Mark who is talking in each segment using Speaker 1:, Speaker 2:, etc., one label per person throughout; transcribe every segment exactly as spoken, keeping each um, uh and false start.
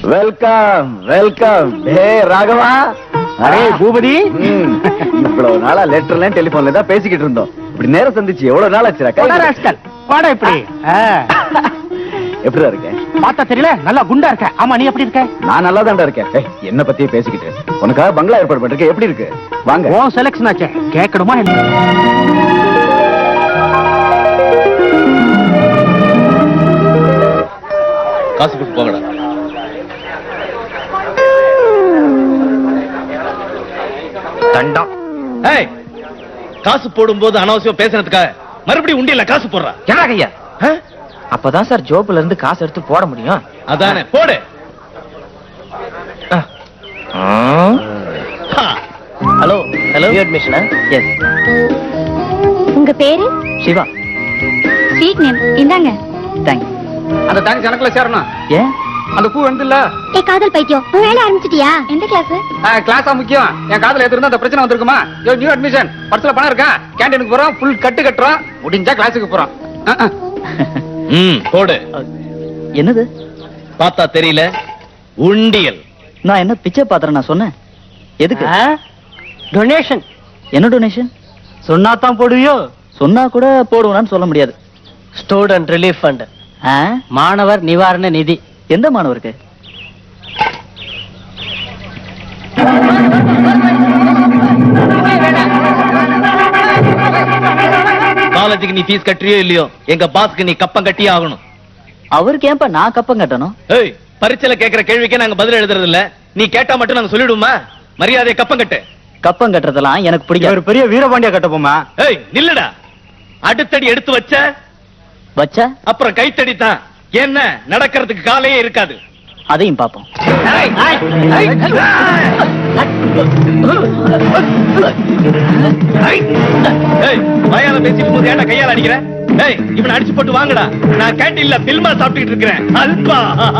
Speaker 1: Welcome welcome. Hey Raghava.
Speaker 2: அரே பூபதி,
Speaker 1: இவ்வளவு நாளா லெட்டர்ல டெலிபோன்ல தான் பேசிக்கிட்டு இருந்தோம். இப்படி நேரம் சந்திச்சு எவ்வளவு நாள் ஆச்சுடா.
Speaker 2: வாடா இப்படி.
Speaker 1: எப்படிடா இருக்க?
Speaker 2: பார்த்தா தெரியல, நல்லா குண்டா இருக்க. ஆமா, நீ எப்படி இருக்க?
Speaker 1: நான் நல்லா தான்டா இருக்கேன். என்ன பத்தியே பேசிக்கிட்டு உனக்காக பங்களா ஏற்பாடு பண்ணிருக்கேன். எப்படி இருக்கு? வாங்க.
Speaker 2: ஓ செலக்ஷன் ஆச்சு, கேட்கணுமா என்ன?
Speaker 3: காசு கொடுத்து போங்கடா.
Speaker 4: தண்டம்.
Speaker 3: ஏய், காசு போடும்போது அனாவசியம் பேசுறதுக்காக மறுபடியும் உண்டியல்ல காசு போடுறா.
Speaker 4: என்ன ஐயா? அப்பதான் சார் ஜோப்ல இருந்து காசு எடுத்து போட முடியும்.
Speaker 3: அதானே, போடு.
Speaker 4: ஹலோ ஹலோ, அட்மிஷனா? எஸ்.
Speaker 5: உங்க பேரு?
Speaker 4: சிவா.
Speaker 5: Sweet name. இந்தாங்க.
Speaker 4: தேங்க்ஸ்.
Speaker 2: அந்த தேங்க்ஸ் கணக்குல சேரணும்.
Speaker 4: ஏன்?
Speaker 2: அந்த பூ வந்து இல்ல.
Speaker 5: ஏ காதல் பைத்தியம், வேலை ஆரம்பிச்சிட்டியா? எந்த கிளாஸ்?
Speaker 2: கிளாஸா முக்கியம். என் காதல எடுத்துருந்தா அந்த பிரச்சனை வந்திருக்குமா? நியூ அட்மிஷன், பர்ஸ்ல பணம் இருக்கா? கேண்டீனுக்கு போறோம், ஃபுல் கட்டு கட்டுறோம், முடிஞ்சா கிளாஸுக்கு போறோம்.
Speaker 3: ம், போடு.
Speaker 4: என்னது?
Speaker 3: பார்த்தா தெரியல, உண்டியல்.
Speaker 4: நான் என்ன பிச்சை பாத்திரம் நான் சொன்னேன்? எதுக்கு?
Speaker 2: டொனேஷன்.
Speaker 4: என்ன டொனேஷன்?
Speaker 2: சொன்னா தான் போடுவியோ?
Speaker 4: சொன்னா கூட போடுவேன்னு சொல்ல முடியாது.
Speaker 2: ஸ்டூடெண்ட் ரிலீஃப் ஃபண்ட்,
Speaker 4: ஆ?
Speaker 2: மாணவர் நிவாரண நிதி.
Speaker 4: எந்த மாணவருக்கு?
Speaker 3: காலேஜுக்கு நீ ஃபீஸ் கட்டுறியோ இல்லையோ, எங்க பாஸ்க்கு நீ கப்பம் கட்டியே ஆகணும்.
Speaker 4: அவருக்கு ஏன்பா நான் கப்பம் கட்டணும்?
Speaker 3: ஏய், பரீட்சையில கேக்குற கேள்விக்கே நாங்க பதில் எழுதுறது இல்ல. நீ கேட்டா மட்டும் நாங்க சொல்லிடுவோமா? மரியாதையை கப்பம் கட்டு.
Speaker 4: கப்பம் கட்டுறதெல்லாம் எனக்கு பிடிக்காது.
Speaker 2: ஒரு பெரிய வீரபாண்டியா கட்டப்போமா?
Speaker 3: ஏய், நில்லுடா. அடுத்தடி எடுத்து வச்ச
Speaker 4: வச்சா
Speaker 3: அப்புறம் கைத்தடி தான். என்ன நடக்கிறதுக்கு காலையே இருக்காது.
Speaker 4: அதையும் பாப்போம்.
Speaker 3: வயால பேசிட்டு போது ஏன்டா கையால அடிக்கிற? ஏய், இவனை அடிச்சு போட்டு வாங்கடா. நான் கேண்டீன்ல பில்மா சாப்பிட்டுட்டு இருக்கிறேன். அல்பா.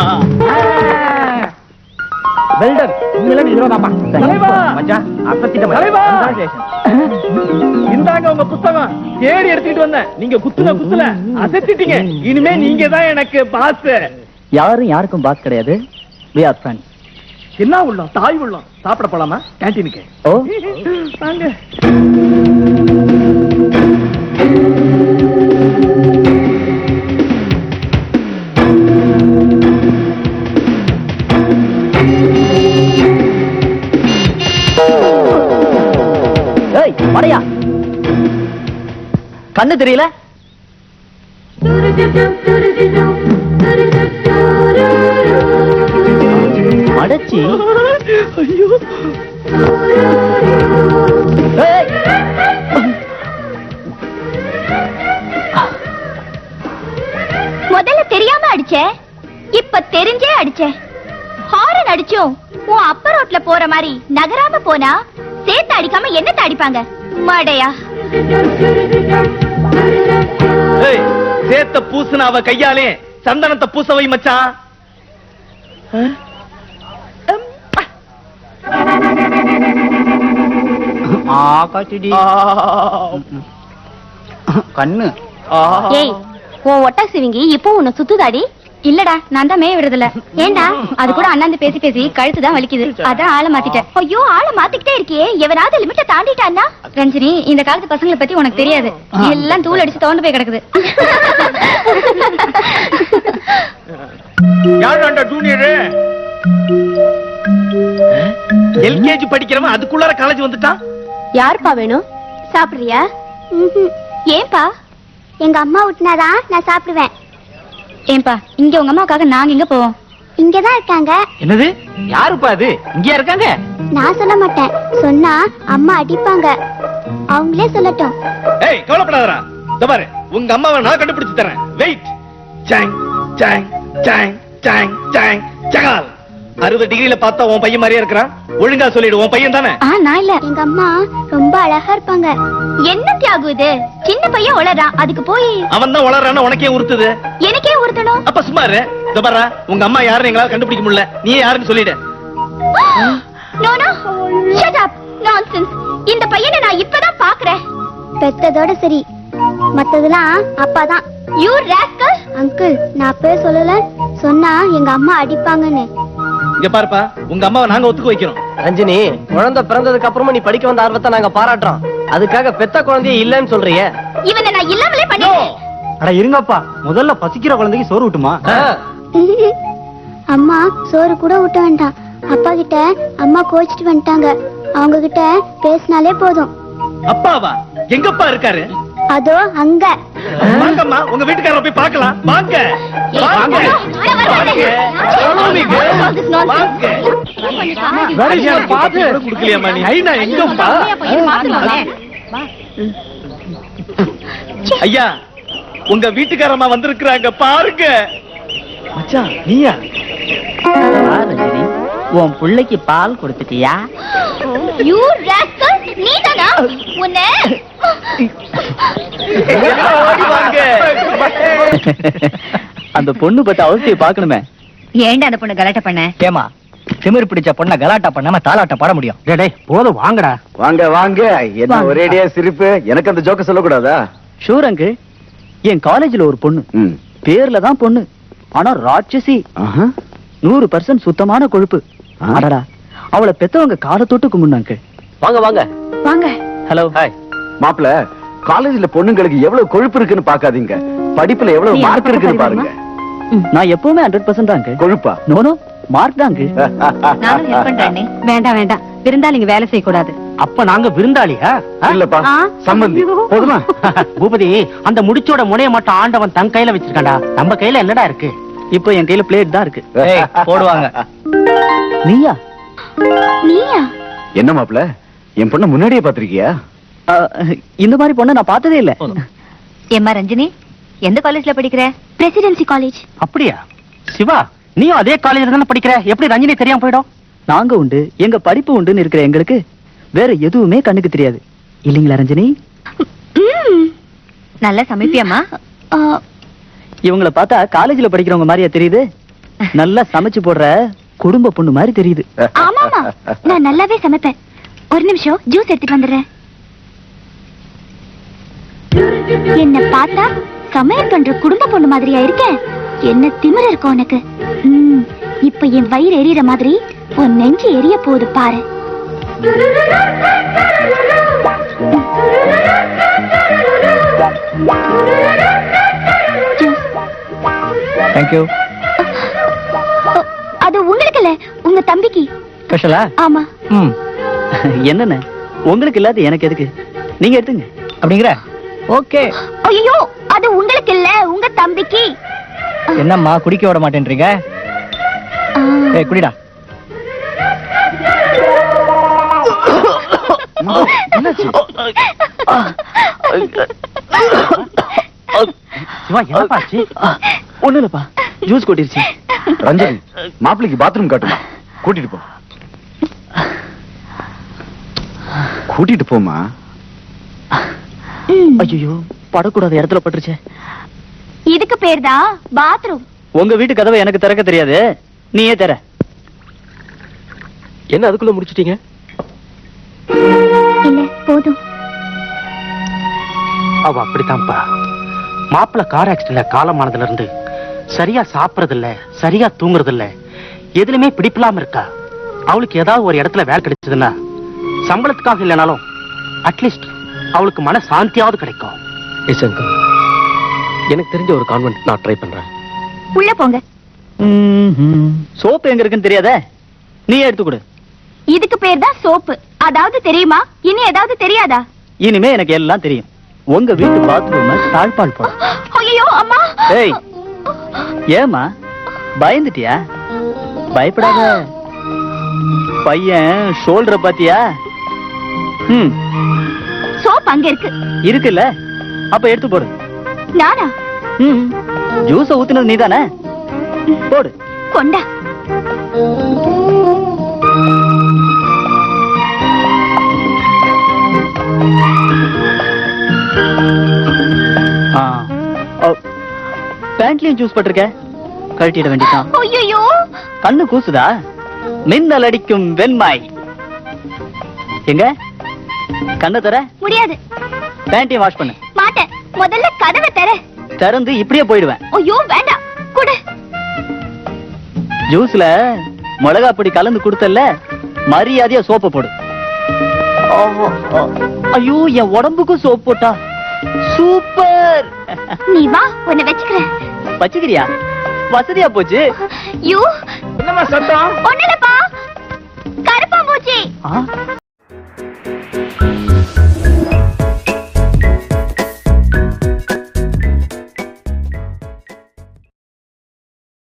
Speaker 2: வெல்டன், உங்களே இதுதான்ப்பா. தலைவா மச்சான், அசத்திட்ட மச்சான். இந்தாங்க உங்க புத்தகம். தேடி எடுத்துட்டு வந்தேன். நீங்க குத்துன குத்துல அசத்திட்டீங்க. இனிமே நீங்க தான் எனக்கு பாஸ்.
Speaker 4: யாரும் யாருக்கும் பாஸ் கிடையாது. We are friends.
Speaker 2: என்ன உள்ளம்? தாய் உள்ளம். சாப்பிட போலாமா கேண்டீனுக்கு?
Speaker 4: ஓ
Speaker 2: வாங்க.
Speaker 4: ஏய் மடையா, கண்ணு தெரியல? அடச்சி.
Speaker 2: ஐயோ,
Speaker 5: முதல்ல தெரியாம அடிச்ச, இப்ப தெரிஞ்சே அடிச்ச. ஹாரன் அடிச்சும் உன் அப்ப ரோட்ல போற மாதிரி நகராம போனா சேர்த்து அடிக்காம என்னத்த அடிப்பாங்க? மடையா.
Speaker 3: ஏய், சேத்த பூசுன அவ கையாலே சந்தனத்தை பூசவை மச்சான்.
Speaker 2: கண்ணு.
Speaker 5: ஏய், உன் ஒட்டா சிவிங்கி இப்போ உன்னை சுத்துதாடி? இல்லடா, நான் தான் மேய விடுறதில்ல. ஏண்டா? அது கூட அண்ணாந்து பேசி பேசி கழுத்து தான் வலிக்குது. அதான் ஆளை மாத்திட்டேன். ஐயோ, ஆளை மாத்திக்கிட்டே இருக்கியே, எவனாவது லிமிட்ட தாண்டிட்டான்னா? ரஞ்சினி, இந்த காலத்து பசங்களை பத்தி உனக்கு தெரியாது. எல்லாம் தூள் அடிச்சு தோண்டு போய் கிடக்குது.
Speaker 3: யாருடா ஜூனியர்? எல்கேஜி படிக்கிறவன் அதுக்குள்ளார காலேஜ் வந்துட்டான்.
Speaker 5: யாருப்பா வேணும்? சாப்பிடுறியா? ஏன்பா? எங்க அம்மா விட்டுனாதான் நான் சாப்பிடுவேன். ஏன்பா, இங்க உங்க அம்மாவுக்காக நாங்க எங்க போவோம்? இங்கதான் இருக்காங்க.
Speaker 2: என்னது? யாருப்பா அது? இங்கயா இருக்காங்க?
Speaker 5: நான் சொல்ல மாட்டேன். சொன்னா அம்மா அடிப்பாங்க. அவங்களே சொல்லட்டும்.
Speaker 3: ஏய், கவலைப்படாதடா. இதோ பாரு, உங்க அம்மாவை நான் கண்டுபிடிச்சு தரேன். வெயிட். சாங் சாங் சாங் சாங் சாங் சகால். அறுபது டிகிரில பார்த்தா உன் பையன் மாதிரியே இருக்கிறான். ஒழுங்கா சொல்லிடு, உன் பையன் தானே?
Speaker 5: ஆ, நான் இல்ல. எங்க அம்மா ரொம்ப அழகா இருப்பாங்க. என்ன தியாகு இது? சின்ன பையன் வளரான், அதுக்கு போய்
Speaker 3: அவன் தான் வளர்றான்னு உனக்கே உறுத்துது.
Speaker 5: எனக்கே உறுத்தணும்?
Speaker 3: அப்ப சும்மா இரு. இதோ பாரு, உங்க அம்மா யாருன்னு எங்களால கண்டுபிடிக்க முடியல. நீ யாருன்னு சொல்லிடு.
Speaker 5: No no, shut up. Nonsense. இந்த பையனை நான் இப்பதான் பாக்குறேன். பெத்ததோட சரி, மத்ததெல்லாம் அப்பாதான். You rascal. அங்கிள், நான் அப்பவே சொல்லல, சொன்னா எங்க அம்மா அடிப்பாங்கன்னு.
Speaker 3: இங்க பாருப்பா, உங்க அம்மாவை நாங்க ஒத்துக்க வைக்கிறோம்.
Speaker 6: ரஞ்சினி, குழந்தை பிறந்ததுக்கு அப்புறமா நீ படிக்க வந்த ஆர்வத்தை நாங்க பாராட்டுறோம். அதுக்காக பெத்த குழந்தைய இல்லன்னு சொல்றியே?
Speaker 5: இவனை நான் இல்லாமலே பண்ணிட்டேன்.
Speaker 2: அட இருங்கப்பா, முதல்ல பசிக்கிற குழந்தைக்கு சோறு விட்டுமா.
Speaker 7: அம்மா சோறு கூட ஊட்ட வேண்டாம். அப்பா கிட்ட அம்மா கோச்சிட்டு வந்துட்டாங்க. அவங்க கிட்ட பேசினாலே போதும்.
Speaker 3: அப்பாவா? எங்கப்பா இருக்காரு?
Speaker 7: அதோ அங்க.
Speaker 3: வாங்கம்மா, உங்க வீட்டுக்காரரை போய் பார்க்கலாம். வாங்க வாங்க குடுக்கலையாமா நீ? ஐயா எங்கப்பா? ஐயா, உங்க வீட்டுக்காரம்மா வந்திருக்கிறாங்க, பாருங்க.
Speaker 2: மச்சான் நீயா?
Speaker 4: ரஜினி, உன் பிள்ளைக்கு பால் கொடுத்துட்டியா?
Speaker 5: யூ ராஸ்கல், நீதானா? உன்னை
Speaker 3: ஓடி வாங்க.
Speaker 1: அந்த பொண்ணு பத்தி அவசியம் பாக்கணுமே.
Speaker 5: ஏன்டா அந்த பொண்ணு கலாட்டா பண்ண?
Speaker 4: ஏமா, திமிர் பிடிச்ச பொண்ண கலாட்டா பண்ணாம தாலாட்ட பாட முடியும்?
Speaker 2: டேய் போதும் வாங்கடா.
Speaker 1: வாங்க வாங்க. என்ன
Speaker 5: வாங்க.
Speaker 1: ஒரேடியா சிரிப்பு? எனக்கு அந்த ஜோக்க சொல்லக்கூடாதா?
Speaker 4: ஷூர் அங்கிள், என் காலேஜ்ல ஒரு பொண்ணு,
Speaker 1: ம்.
Speaker 4: பேர்ல தான் பொண்ணு, ஆனா ராட்சசி.
Speaker 1: ஆஹா.
Speaker 4: நூறு பர்சன்ட் சுத்தமான கொழுப்பு.
Speaker 1: ஆ.
Speaker 4: அடடா, அவளை பெத்தவங்க காலை தொட்டு கும்பிடுனாங்க.
Speaker 6: வாங்க வாங்க.
Speaker 5: வாங்க.
Speaker 4: ஹலோ.
Speaker 1: ஹாய் மாப்ள, காலேஜ்ல பொண்ணுங்களுக்கு எவ்வளவு கொழுப்பு இருக்குன்னு பாக்காதீங்க, படிப்புல எவ்வளவு
Speaker 5: நீ
Speaker 1: மார்க்
Speaker 5: அந்த
Speaker 1: இருக்குன்னு
Speaker 5: பக்கம்
Speaker 1: பாருங்க.
Speaker 4: நான் எப்பவுமே ஹண்ட்ரட் பர்சன்ட் தான் அங்கிள்.
Speaker 1: கொழுப்பா?
Speaker 4: நோனோ, மார்க் தான் அங்கிள்.
Speaker 5: நானும் ஹெல்ப் பண்றேன். வேண்டாம் வேண்டாம், விருந்தாளிங்க வேலை செய்ய கூடாது.
Speaker 2: அப்ப நாங்க விருந்தாளியா?
Speaker 1: இல்லப்பா,
Speaker 5: ஆ.
Speaker 1: சம்பந்தி. போதுமா?
Speaker 2: பூபதி, அந்த முடிச்சோட முனைய மட்டும் ஆண்டவன் தன் கையில வச்சிருக்காண்டா. நம்ம கையில என்னடா இருக்கு?
Speaker 4: இப்போ என் கையில பிளேட் தான் இருக்கு.
Speaker 1: ஏய்,
Speaker 4: போடுவாங்க. நீயா?
Speaker 5: நீயா?
Speaker 1: என்ன மாப்ள, என் பொண்ண முன்னாடியே பாத்திருக்கியா?
Speaker 4: ஆ, இந்த மாதிரி பொண்ணை நான் பார்த்ததே இல்ல.
Speaker 5: ஏம்மா ரஞ்சினி, எந்த காலேஜ்ல படிக்கிற?
Speaker 7: Presidency College.
Speaker 2: அப்படியா? சிவா, நீயும் அதே காலேஜ்ல தானே படிக்கிற? எப்படி ரஞ்சினி தெரியாம போயிடும்?
Speaker 4: நாங்க உண்டு, எங்க படிப்பு உண்டுன்னு இருக்கிற எங்களுக்கு வேற எதுவுமே கண்ணுக்கு தெரியாது. இல்லீங்களா ரஞ்சினி?
Speaker 5: நல்லா சமைப்பியாமா?
Speaker 4: இவங்கள பார்த்தா காலேஜ்ல படிக்கிறவங்க மாதிரியா தெரியுது? நல்லா சமைச்சு போடுற குடும்ப பொண்ணு மாதிரி தெரியுது.
Speaker 7: ஆமாமா, நான் நல்லாவே சமைப்பேன். ஒரு நிமிஷம் ஜூஸ் எடுத்துட்டு வந்துடுறேன். என்ன பார்த்தா சமையல் பண்ற குடும்ப பொண்ணு மாதிரியா இருக்கேன்? என்ன திமிர இருக்கும் உனக்கு? ம், இப்ப என் வயிறு எரியற மாதிரி உன் நெஞ்சு எரிய போகுது பாரு. ஜூஸ்.
Speaker 4: தேங்க்யூ.
Speaker 7: அது உங்களுக்கு இல்ல, உங்க தம்பிக்கு.
Speaker 4: ஸ்பெஷலா?
Speaker 7: ஆமா.
Speaker 4: ம். என்னண்ணே, உங்களுக்கு இல்லாத எனக்கு எதுக்கு? நீங்க எடுத்துங்க. அப்படிங்கிற? ஓகே.
Speaker 7: ஐயோ, அது உங்களுக்கு இல்ல, உங்க தம்பிக்கு.
Speaker 4: என்னம்மா குடிக்க விட மாட்டேன்றீங்க?
Speaker 7: ஆ.
Speaker 4: ஏய் குடிடா.
Speaker 1: என்னாச்சு?
Speaker 2: சிவா, என்னப்பா ஆச்சு?
Speaker 4: ஒண்ணு இல்லப்பா, ஜூஸ் கொட்டிருச்சு.
Speaker 1: ரஞ்சனி, மாப்பிளைக்கு பாத்ரூம் காட்டுமா? கூட்டிட்டு போ. கூட்டிட்டு போமா.
Speaker 7: ம்.
Speaker 4: ஐயோ, படக்கூடாத இடத்துல பட்டுருச்சு.
Speaker 7: இதுக்கு பேர் தான் பாத்ரூம்.
Speaker 4: உங்க வீட்டு கதவை எனக்கு திறக்க தெரியாது, நீயே தர.
Speaker 6: என்ன அதுக்குள்ள முடிச்சிட்டீங்க?
Speaker 7: இல்ல, போதும்.
Speaker 2: அவ அப்படித்தான்ப்பா. மாப்பிள்ள கார் ஆக்சிடென்ட்ல காலமானதுல இருந்து சரியா சாப்பிடறது இல்ல, சரியா தூங்குறது இல்ல, எதுலயுமே பிடிப்பில்லாம இருக்கா. அவளுக்கு ஏதாவது ஒரு இடத்துல வேலை கிடைச்சதுன்னா சம்பளத்துக்காக இல்லைனாலும் அட்லீஸ்ட் அவளுக்கு மன சாந்தியாவது கிடைக்கும்.
Speaker 6: எஸ் அங்கிள், எனக்கு தெரிஞ்ச ஒரு கான்வென்ட் நான் ட்ரை பண்றேன்.
Speaker 7: உள்ள போங்க.
Speaker 4: சோப்பு எங்க இருக்குன்னு தெரியாத, நீ எடுத்து கொடு.
Speaker 7: இதுக்கு பேர் தான் சோப்பு. அதாவது தெரியுமா? இனி ஏதாவது தெரியாதா?
Speaker 4: இனிமே எனக்கு எல்லாம் தெரியும். உங்க வீட்டு பாத்ரூம் தாழ்பால் போட.
Speaker 7: ஐயோ அம்மா.
Speaker 4: ஏய், ஏமா பயந்துட்டியா? பயப்படாத. பையன் ஷோல்டரை பாத்தியா? ம்,
Speaker 7: சோப் அங்க இருக்கு.
Speaker 4: இருக்குல்ல, அப்ப எடுத்து போடு.
Speaker 7: நானா?
Speaker 4: ம், ஜூஸ ஊத்துனது நீதானே? போடு.
Speaker 7: கொண்டா.
Speaker 4: பேண்ட்லயும் ஜூஸ் பட்டிருக்க, கழட்டிட வேண்டியதான்.
Speaker 7: ஐயோ,
Speaker 4: கண்ணு கூசுதா? மின்னல் அடிக்கும் வெண்மாய். எங்க கண்ணை தர?
Speaker 7: முடியாது.
Speaker 4: பேண்டையும் வாஷ் பண்ணு.
Speaker 7: மாட்டேன். முதல்ல கதவை தர.
Speaker 4: திறந்து இப்படியே போயிடுவேன்.
Speaker 7: ஐயோ வேண்டாம், குடு.
Speaker 4: ஜூஸ்ல மிளகா பொடி கலந்து கொடுத்தல்ல, மரியாதையா சோப்பு போடு. ஆஹா, ஆ. ஐயோ, என் உடம்புக்கும் சோப்பு போட்டா சூப்பர்.
Speaker 7: நீ வா, உன்னை வச்சுக்கிறேன்.
Speaker 4: வச்சுக்கிறியா? வசதியா போச்சு.
Speaker 7: யூ
Speaker 2: என்னம்மா சத்தம்?
Speaker 7: ஒண்ணுலப்பா, கருப்பாம்பூச்சி.
Speaker 4: ஆ,